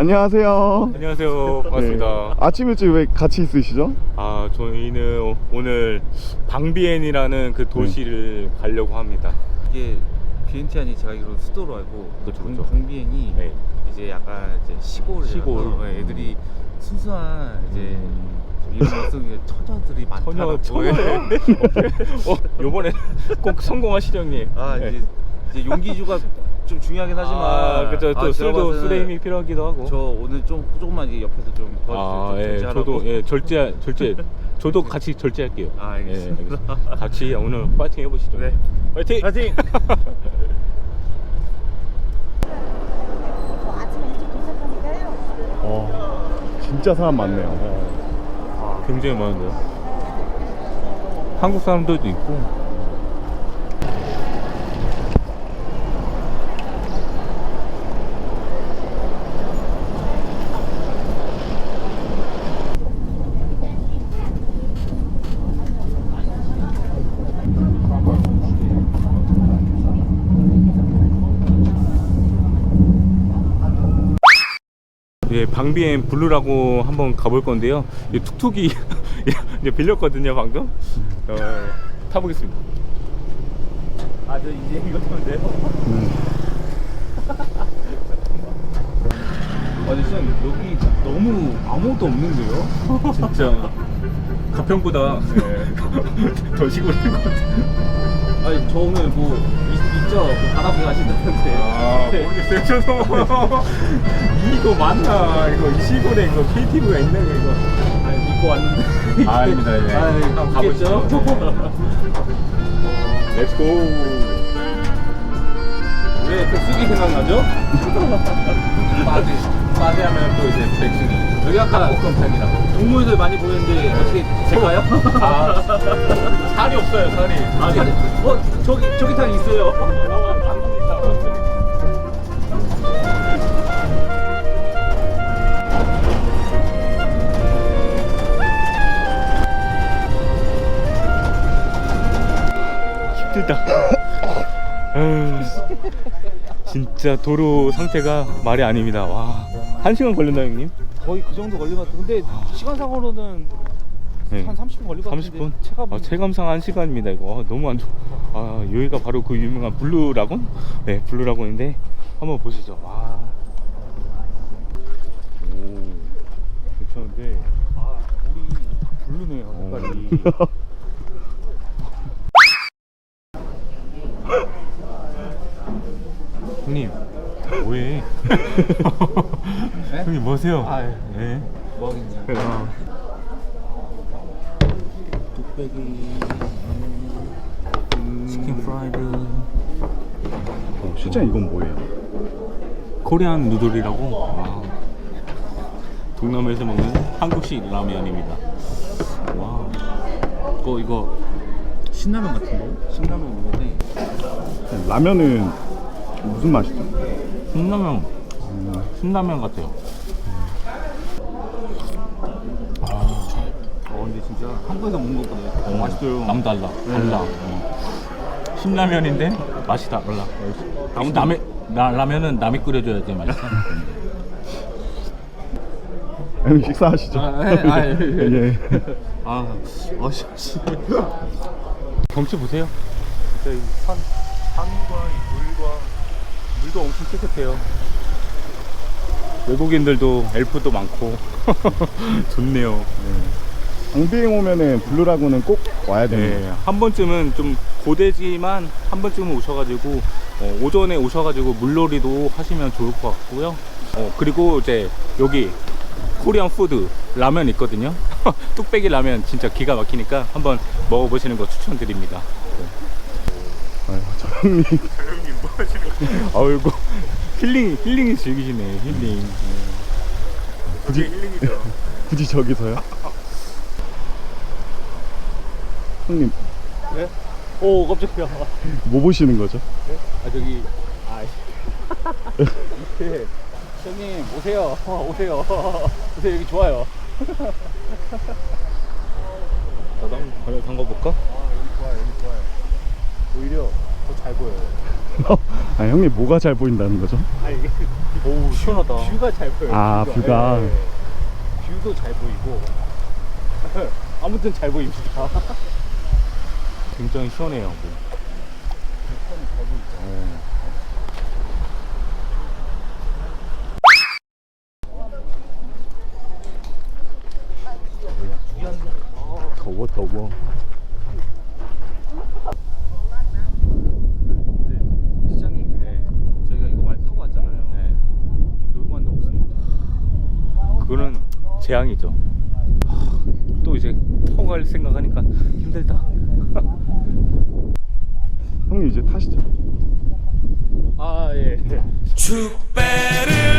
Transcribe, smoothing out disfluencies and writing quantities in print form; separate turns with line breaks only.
안녕하세요.
안녕하세요. 반갑습니다.
네. 아침 일찍 왜 같이 있으시죠?
아, 저희는 오늘 방비엔이라는 그 도시를 가려고 합니다.
이게 비엔티안이 제가 알기로 수도로 알고
그렇죠, 그렇죠.
방비엔이
네.
이제 약간 이제 시골 애들이 순수한 이제 이런 것들 처녀들이 많다라고.
처녀. 요번에 꼭 성공하시죠, 형님.
아
네.
이제 용기주가 좀 중요하긴 하지만
그죠. 또
제가
술도
봐서는
술의 힘이 필요하기도 하고.
저 오늘 조금만 이제 옆에서 좀 도와주세요.
예, 저도 절제. 저도 같이 절제할게요.
아, 알겠습니다.
예, 알겠습니다. 같이 오늘 파이팅 해보시죠.
네.
파이팅.
파이팅.
아침에 일찍 도착하니까요.
진짜 사람 많네요.
아, 굉장히 많은데요. 한국 사람들도 있고. 예, 방비엔 블루라고 한번 가볼 건데요. 이 툭툭이 이제 빌렸거든요, 방금. 타보겠습니다.
아, 저 이제 이거 타면 돼요?
아니, 쌤, 여기 너무 아무것도 없는데요? 진짜. 가평보다 더 시골인 것 같아요.
아니 저 오늘 뭐 있죠? 그 바다비 가신다는데.
아, 모르겠어요. 저도. 이거 맞나? 이거 이 시골에 이거 KTV가 있나? 이거.
아 믿고 왔는데.
아, 아닙니다. 네.
한번 가보시죠.
렛츠고.
왜 백숙이 생각나죠?
빠지 하면 또 이제 백승이.
여기 아까 볶음탕이라고 동물들 많이 보이는데 어떻게 될까요?
아, 살이 없어요, 살이.
아, 저기 탕 있어요.
힘들다. 진짜 도로 상태가 말이 아닙니다. 와, 1시간 걸렸나, 형님?
거의 그 정도 걸린 것 같아요. 근데 시간상으로는
네.
한 30분 걸릴 것 같은데.
30분? 체감상 1시간입니다 이거. 너무 안 좋아. 여기가 바로 그 유명한 블루라곤? 네, 블루라곤인데 한번 보시죠. 와. 오, 괜찮은데. 물이 블루네요, 색깔이. 형님, 뭐해? 형님, 뭐하세요? 네.
뭐 하겠냐. 뚝배기, 치킨 프라이드.
실제 이건 뭐예요?
코리안 누들이라고. 동남아에서 먹는 한국식 라면입니다. 와. 이거
신라면 같은데? 신라면 먹는데.
라면은 무슨 맛이죠?
신라면 같아요.
근데 진짜 한국에서 먹는 것보다 맛있어요.
남달라. 달라. 신라면인데 맛이 달라. 라면은 남이 끓여줘야지 맛있어.
형님 식사하시죠? 예.
씨.
경치 보세요. 진짜 이 산과 이 물도 엄청 깨끗해요. 외국인들도 엘프도 많고 좋네요.
방비행 오면은 블루라군은 꼭 와야 됩니다.
네, 한 번쯤은 좀 고되지만 한 번쯤은 오셔가지고 오전에 오셔가지고 물놀이도 하시면 좋을 것 같고요. 그리고 이제 여기 코리안 푸드 라면 있거든요. 뚝배기 라면 진짜 기가 막히니까 한번 먹어보시는 거 추천드립니다.
저 형님
뭐 하시는 거예요? 아이고, 힐링이 즐기시네. 힐링.
굳이
힐링이죠.
굳이 저기서요? 형님
네? 오 깜짝이야.
뭐 보시는 거죠?
저기 밑에 형님 오세요. 오세요 여기 좋아요.
나도 한번 담가볼까?
여기 좋아요. 오히려 더 잘 보여요.
형님 뭐가 잘 보인다는 거죠?
이게
오 시원하다.
뷰가 잘 보여요.
아, 뷰가.
예, 예. 뷰도 잘 보이고 아무튼 잘 보입니다.
굉장히 시원해요. 더워 더워.
근데 시장님,
네.
저희가 이거 많이 타고 왔잖아요.
네.
놀고 왔는데 없습니다.
그거는 재앙이죠. 또 이제 타고 갈 생각하니까 힘들다.
형님 이제 타시죠.
아 예.
축배를